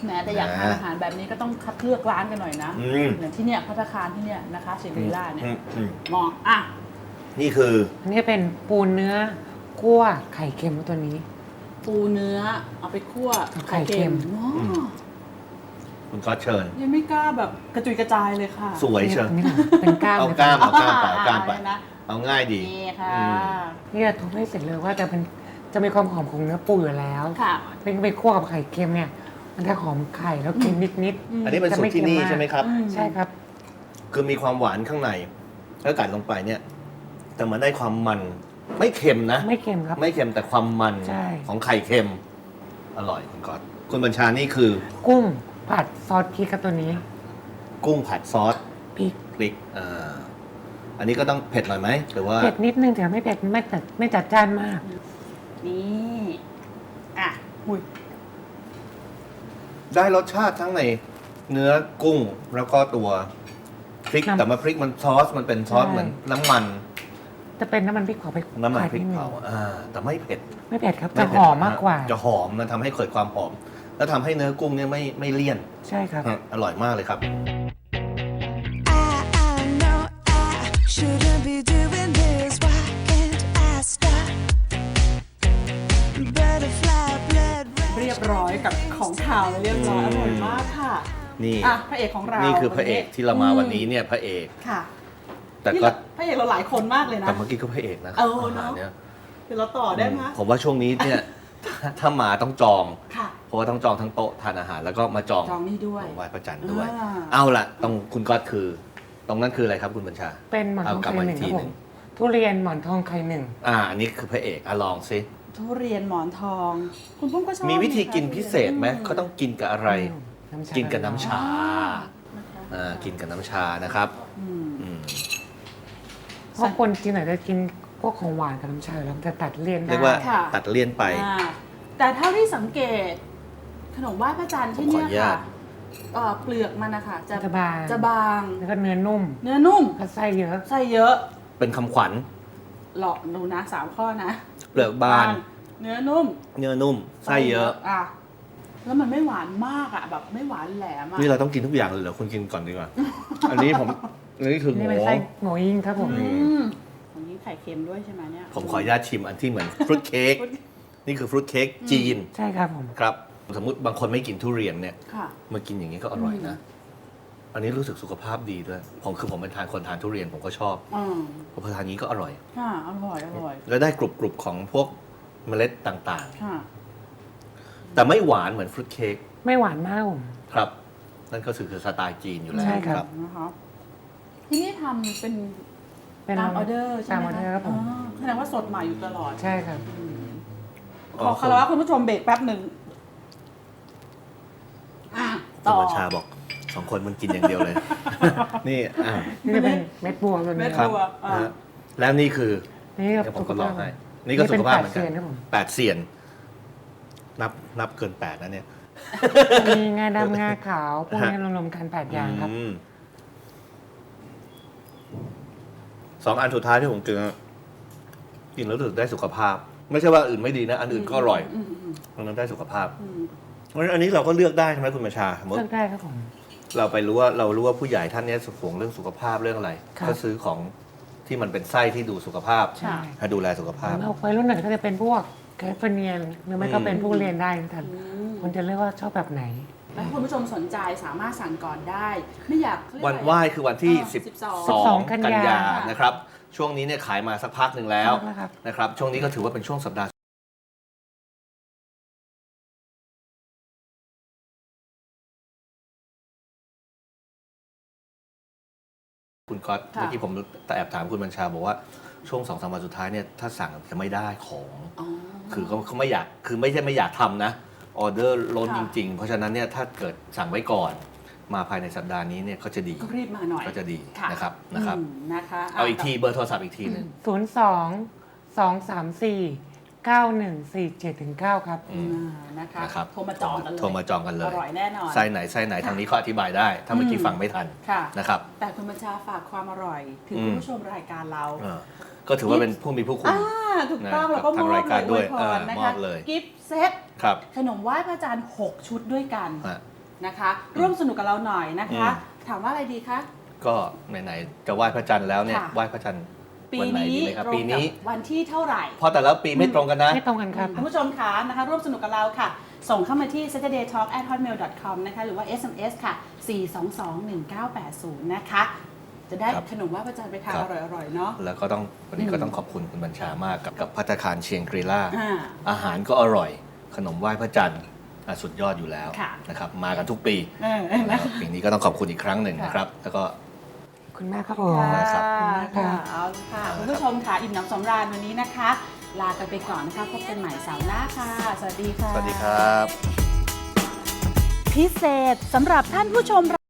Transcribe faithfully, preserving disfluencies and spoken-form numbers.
แหมแต่อยากทานอาหารแบบนี้ก็ต้องคัดเลือกร้านกันหน่อยนะอย่างที่เนี่ยภัตตาคารที่เนี่ยนะคะเชมิล่าเนี่ยมองอ่ะนี่คืออันนี้เป็นปูเนื้อคั่วไข่เค็มตัวนี้ปูเนื้อเอาไปคั่วไข่เค็มคุณก็เชิญยังไม่กล้าแบบกระจุยกระจายเลยค่ะสวยเชิญเป็นก้ามเอาก้ามเอาก้ามไปเอาก้ามไปเอาง่ายดีนี่ค่ะนี่ทุบให้เสร็จเลยว่าจะเป็นจะมีความหอมของเนื้อปูอยู่แล้วค่ะเป็นไปคั่วกับไข่เค็มเนี่ยมันจะหอมไข่แล้วเค็มนิดๆอันนี้เป็นสูตรที่นี่ใช่ไหมครับใช่ครับคือมีความหวานข้างในแล้วกัดลงไปเนี่ยแต่มันได้ความมันไม่เค็มนะไม่เค็มครับไม่เค็มแต่ความมันของไข่เค็มอร่อยคุณก๊อตคุณบัญชานี่คือกุ้งผัดซอสพริกครับตัวนี้กุ้งผัดซอสพริกพริกอ่าอันนี้ก็ต้องเผ็ดหน่อยไหมหรือว่าเผ็ดนิดนึงแต่ไม่เผ็ดไม่จัดไม่จัดจ้านมากนี่อ่ะหุยได้รสชาติทั้งในเนื้อกุ้งแล้วก็ตัวพริกแต่มาพริกมันซอสมันเป็นซอสเหมือนน้ำมันจะเป็นน้ำมันพริกเผาไปน้ำมันพริกเผาอ่าแต่ไม่เผ็ดไม่เผ็ดครับจะหอมมากกว่าจะหอมมันทำให้เกิดความหอมแล้วทำให้เนื้อกุ้งเนี่ยไม่ไม่เลี่ยนใช่ครับอร่อยมากเลยครับเรียบร้อยกับของข่าวเรียบร้อยอร่อยมากค่ะนี่อ่ะพระเอกของเรานี่คือพระเอกที่เรามาวันนี้เนี่ยพระเอกค่ะแต่ก็พระเอกเราหลายคนมากเลยนะแต่เมื่อกี้ก็พระเอกนะเออเนาะเดี๋ยวเราต่อได้ไหมผมว่าช่วงนี้เนี่ยถ้ามาต้องจองค่ะเพราะว่าต้องจองทั้งโต๊ะทานอาหารแล้วก็มาจองจองนี่ด้วยไหว้พระจันทร์ด้วยเอาล่ะตรงคุณก๊อตคือตรงนั้นคืออะไรครับคุณบัญชาเป็นหมอนทองไข่หนึ่งครับผมทุเรียนหมอนทองไข่หนึ่งอ่าอันนี้คือพระเอกอ่ะลองซิทุเรียนหมอนทองคุณปุ้มก็ชอบมีวิธีกินพิเศษไหมเขาต้องกินกับอะไรกินกับน้ำชาอ่ากินกับน้ำชานะครับเพราะคนกินไหนจะกินพวกของหวานกับน้ำชาแล้วจะตัดเลี่ยนได้เรียกว่าตัดเลี่ยนไปแต่เท่าที่สังเกตขนมไหว้พระจันทร์ที่นี่ค่ะเปลือกมันนะคะจะบางจะบางแล้วก็เนื้อนุ่มเนื้อนุ่มก็ไส้เยอะไส้เยอะเป็นคำขวัญหลอกดูนะสามข้อนะเปลือกบางเนื้อนุ่มเนื้อนุ่มไส้เยอะอ่ะแล้วมันไม่หวานมากอ่ะแบบไม่หวานแหลมอ่ะนี่เราต้องกินทุกอย่างเลยเหรอคุณกินก่อนดีกว่าอันนี้ผมอันนี้คือหมูนี่เป็นไส้หมูยิงครับผมอันนี้ไข่เค็มด้วยใช่ไหมเนี่ยผมขออนุญาตชิมอันที่เหมือนฟรุตเค้กนี่คือฟรุตเค้กจีนใช่ครับผมครับสมมุติบางคนไม่กินทุเรียนเนี่ยมากินอย่างนี้ก็อร่อยนะอันนี้รู้สึกสุขภาพดีด้วยผมคือผมเป็นทานคนทานทุเรียนผมก็ชอบพอทานนี้ก็อร่อยค่ะอร่อยอร่อยแล้วได้กรุบกรุบของพวกเมล็ดต่างๆแต่ไม่หวานเหมือนฟรุตเค้กไม่หวานมากผมครับนั่นก็คือสไตล์จีนอยู่แล้วใช่ครับนะครับที่นี่ทำเป็นตามออเดอร์ใช่ไหมครับผมแสดงว่าสดใหม่อยู่ตลอดใช่ครับขอคารวะคุณผู้ชมเบรกแป๊บหนึ่งต่อชาบอกสองคนมันกินอย่างเดียวเลยนี่อ่านี่เป็นเม็ดบัวตัวนี้ครับแล้วนี่คือนี่ผมก็ลองให้นี่ก็สุขภาพเหมือนกันแปดเซียนนับนับเกินแปดนะเนี่ยมีงาดำงาขาวพวกนี้รวมๆกันแปดอย่างครับสองอันสุดท้ายที่ผมกินกินแล้วรู้สึกได้สุขภาพไม่ใช่ว่าอื่นไม่ดีนะอันอื่นก็อร่อยมันนั้นได้สุขภาพเพราะฉะนั้นอันนี้เราก็เลือกได้ใช่ไหมคุณบัญชาเลือกได้ครับผมเราไปรู้ว่าเรารู้ว่าผู้ใหญ่ท่านนี้ห่วงเรื่องสุขภาพเรื่องอะไรก็ซื้อของที่มันเป็นไส้ที่ดูสุขภาพให้ดูแลสุขภาพเราไปรุ่นไหนก็จะเป็นพวกแคฟเนียนหรือไม่ก็เป็นพวกเรียนได้ท่านคนจะเรียกว่าชอบแบบไหนถ้าคุณผู้ชมสนใจสามารถสั่งก่อนได้ไม่อยากวันไหว้คือวันที่สิบสองกันยานะครับช่วงนี้เนี่ยขายมาสักพักหนึ่งแล้วนะครับช่วงนี้ก็ถือว่าเป็นช่วงสัปดาห์คุณก๊อตเมื่อกี้ผมแอบถามคุณบัญชาบอกว่าช่วงสองสามวันสุดท้ายเนี่ยถ้าสั่งจะไม่ได้ของคือเขาเขาไม่อยากคือไม่ใช่ไม่อยากทำนะออเดอร์ล้นจริงๆเพราะฉะนั้นเนี่ยถ้าเกิดสั่งไว้ก่อนมาภายในสัปดาห์นี้เนี่ยก็จะดีก็รีบมาหน่อยก็จะดีนะครับนะครับนะคะเอาอีกทีเบอร์โทรศัพท์อีกทีหนึ่งศูนย์สองสองสามสี่เก้าหนึ่งสี่เจ็ดถึงเก้าครับนะคะโทรมาจองกันเลยโทรมาจองกันเลยอร่อยแน่นอนไส้ไหนไส้ไหนทางนี้เขาอธิบายได้ถ้าเมื่อกี้ฟังไม่ทันนะครับแต่คุณบัญชาฝากความอร่อยถึงคุณผู้ชมรายการเราก็ถือว่าเป็นผู้มีผู้คุณถูกต้องแล้วก็มอบเลยด้วยมอบเลยกิฟต์เซตขนมไหว้พระจันทร์หกชุดด้วยกันนะคะ ร่วมสนุกกับเราหน่อยนะคะอืมถามว่าอะไรดีคะก็ไหนๆจะไหว้พระจันทร์แล้วเนี่ยค่ะไหว้พระจันทร์ปีวันไหนนี้ดีไหมครับตรงปีกันี้บวันที่เท่าไหร่เพราะแต่ละปีไม่ตรงกันนะไม่ตรงกันครับคุณผู้ชมคะนะคะร่วมสนุกกับเราค่ะ ส่งเข้ามาที่ saturday talk at hotmail dot com นะคะหรือว่า เอส เอ็ม เอส ค่ะ สี่สองสองหนึ่งเก้าแปดศูนย์ นะคะ จะได้ครับขนมไหว่าพระจันทร์ไปทานครัอบ ร่อยๆ เนาะแล้วก็ต้องวันนี้ก็ต้องขอบคุณคุณบัญชามากกับกับภัตตาคารเชียงกรีล่าอ่าอาหารก็อร่อย ขนมไหว้พระจันทร์อ่ะสุดยอดอยู่แล้วค่ะนะครับมากันทุกปีเออเออแล้นะวปีนี้ก็ต้องขอบคุณอีกครั้งหนึ่งค่ะนะครับ แล้วก็คุณแม่ครับผมมากครับค่ะเอาค่ะคุณผู้ชมค่ะอิ่มหนำสำราญวันนี้นะคะ ลากันไปก่อนนะคะพบกันใหม่เสาร์หน้าค่ะ สวัสดีค่ะสวัสดีครับพิเศษสำหรับท่านผู้ชม